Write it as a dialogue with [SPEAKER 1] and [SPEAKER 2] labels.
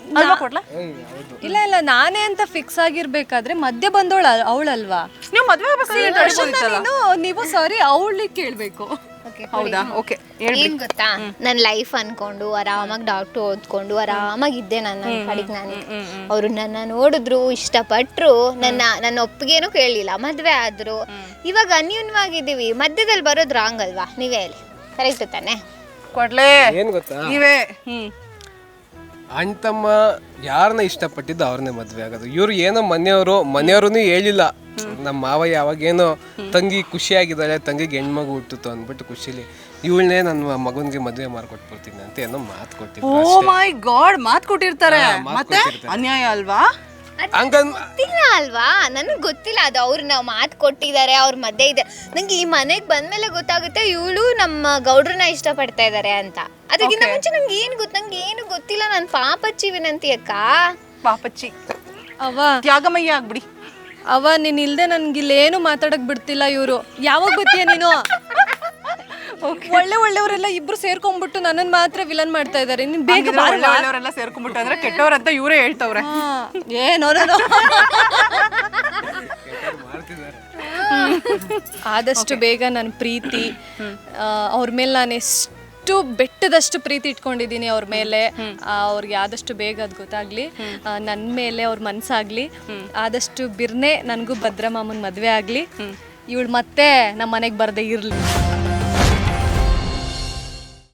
[SPEAKER 1] ಅಲ್ವಾ ಕೊಡ್ಲಾ?
[SPEAKER 2] ಇಲ್ಲ ಇಲ್ಲ ನಾನೇ ಅಂತ ಫಿಕ್ಸ್ ಆಗಿರ್ಬೇಕಾದ್ರೆ ಮಧ್ಯೆ ಬಂದವಳ ಅವಳಲ್ವಾ
[SPEAKER 1] ನೀವು ಮದ್ವೆ ಆಗ್ಬೇಕಾದ್ರೆ
[SPEAKER 2] ನೀವು ಸಾರಿ ಅವಳಿಗೆ ಕೇಳ್ಬೇಕು.
[SPEAKER 1] ಹೌದಾ? ಓಕೆ
[SPEAKER 3] ಏನ್ ಗೊತ್ತಾ, ನನ್ನ ಲೈಫ್ ಅನ್ಕೊಂಡು ಆರಾಮಾಗಿ ಡಾಕ್ಟರ್ ಓದ್ಕೊಂಡು ಆರಾಮಾಗಿದ್ದೆ ನನ್ನ ಕಡೆಗೆ ನಾನು. ಅವರು ನನ್ನ ನೋಡಿದ್ರು, ಇಷ್ಟಪಟ್ರು, ನನ್ನ ಒಪ್ಪಿಗೆನೂ ಕೇಳಲಿಲ್ಲ, ಮದ್ವೆ ಆದ್ರು. ಇವಾಗ ಅನ್ಯೂನ್ಯವಾಗಿದ್ದೀವಿ, ಮಧ್ಯದಲ್ಲಿ ಬರೋದು ರಾಂಗ್ ಅಲ್ವಾ? ನೀವೇ ಹೇಳಿ, ಕರೆಕ್ಟ್ ತಾನೆ?
[SPEAKER 1] ಕೊಡ್ಲೇ
[SPEAKER 4] ಏನ್ ಗೊತ್ತಾ,
[SPEAKER 1] ನೀವೇ
[SPEAKER 4] ಅಣ್ಣ ತಮ್ಮ ಯಾರನ್ನ ಇಷ್ಟಪಟ್ಟಿದ್ದು ಅವ್ರನ್ನೇ ಮದ್ವೆ ಆಗೋದು. ಇವ್ರು ಏನೋ ಮನೆಯವರು ಹೇಳಿಲ್ಲ, ನಮ್ಮ ಮಾವ ಯಾವಾಗೇನೋ ತಂಗಿ ಖುಷಿಯಾಗಿದ್ದಾಳೆ, ತಂಗಿಗೆ ಹೆಣ್ಮಗು ಹುಟ್ಟಿತು ಅಂದ್ಬಿಟ್ಟು ಖುಷಿಲಿ ಇವಳನ್ನೇ ನನ್ನ ಮಗನಿಗೆ ಮದುವೆ ಮಾಡ್ಕೊಟ್ಬಿಡ್ತೀನಿ ಅಂತ ಏನೋ ಮಾತು ಕೊಟ್ಟಿದ್ರು.
[SPEAKER 1] ಓ ಮೈ ಗಾಡ್, ಮಾತು ಕೊಟ್ಟಿರ್ತಾರೆ. ಮತ್ತೆ ಅನ್ಯಾಯ ಅಲ್ವಾ?
[SPEAKER 3] ಗೊತ್ತಿಲ್ಲ ಅಲ್ವಾ, ನನಗೆ ಗೊತ್ತಿಲ್ಲ ಅದು. ಅವ್ರು ನಾವು ಮಾತು ಕೊಟ್ಟಿದ್ದಾರೆ, ಅವ್ರ ಮಧ್ಯೆ ಇದೆ. ನಂಗೆ ಈ ಮನೆಗೆ ಬಂದ್ಮೇಲೆ ಗೊತ್ತಾಗುತ್ತೆ ಇವಳು ನಮ್ಮ ಗೌಡ್ರನ್ನ ಇಷ್ಟಪಡ್ತಾ ಇದ್ದಾರೆ ಅಂತ. ಅದಕ್ಕಿಂತ ಮುಂಚೆ ನಂಗೆ ಏನು ಗೊತ್ತಿಲ್ಲ. ನಾನು ಪಾಪಚ್ಚಿ ವಿನಂತಿ ಅಕ್ಕ,
[SPEAKER 1] ಪಾಪಚ್ಚಿ
[SPEAKER 2] ಅವ
[SPEAKER 1] ತ್ಯಾಗಮಯ್ಯ ಆಗ್ಬಿಡಿ.
[SPEAKER 2] ಅವ ನೀನ್ ಇಲ್ದೆ ನನ್ಗಿಲ್ಲೇನು ಮಾತಾಡಕ್ ಬಿಡ್ತಿಲ್ಲ ಇವ್ರು. ಯಾವಾಗ ಗೊತ್ತೀಯ ನೀನು? ಒಳ್ಳೆಯವರೆಲ್ಲ ಇಬ್ರು ಸೇರ್ಕೊಂಡ್ಬಿಟ್ಟು ನನ್ನನ್ ಮಾತ್ರ ವಿಲನ್ ಮಾಡ್ತಾ ಇದಾರೆ. ನೀನ್ ಬೇಗ
[SPEAKER 1] ಒಳ್ಳೆಯವರೆಲ್ಲ ಸೇರ್ಕೊಂಡ್ಬಿಟ್ಟು ಅಂದ್ರೆ ಕೆಟ್ಟವ್ರಂತ ಇವರೇ ಹೇಳ್ತವ್ರೆ.
[SPEAKER 2] ಏನೋ ಆದಷ್ಟು ಬೇಗ ನನ್ನ ಪ್ರೀತಿ ಅವ್ರ ಮೇಲೆ ನಾನು ಎಷ್ಟು ಬೆಟ್ಟದಷ್ಟು ಪ್ರೀತಿ ಇಟ್ಕೊಂಡಿದ್ದೀನಿ ಅವ್ರ ಮೇಲೆ. ಅವ್ರಿಗೆ ಆದಷ್ಟು ಬೇಗ ಅದು ಗೊತ್ತಾಗ್ಲಿ, ನನ್ನ ಮೇಲೆ ಅವ್ರ ಮನ್ಸಾಗ್ಲಿ. ಆದಷ್ಟು ಬಿರ್ನೆ ನನಗೂ ಭದ್ರಮಾಮನ್ ಮದ್ವೆ ಆಗ್ಲಿ. ಇವಳು ಮತ್ತೆ ನಮ್ಮ ಮನೆಗೆ ಬರ್ದೇ ಇರ್ಲಿ.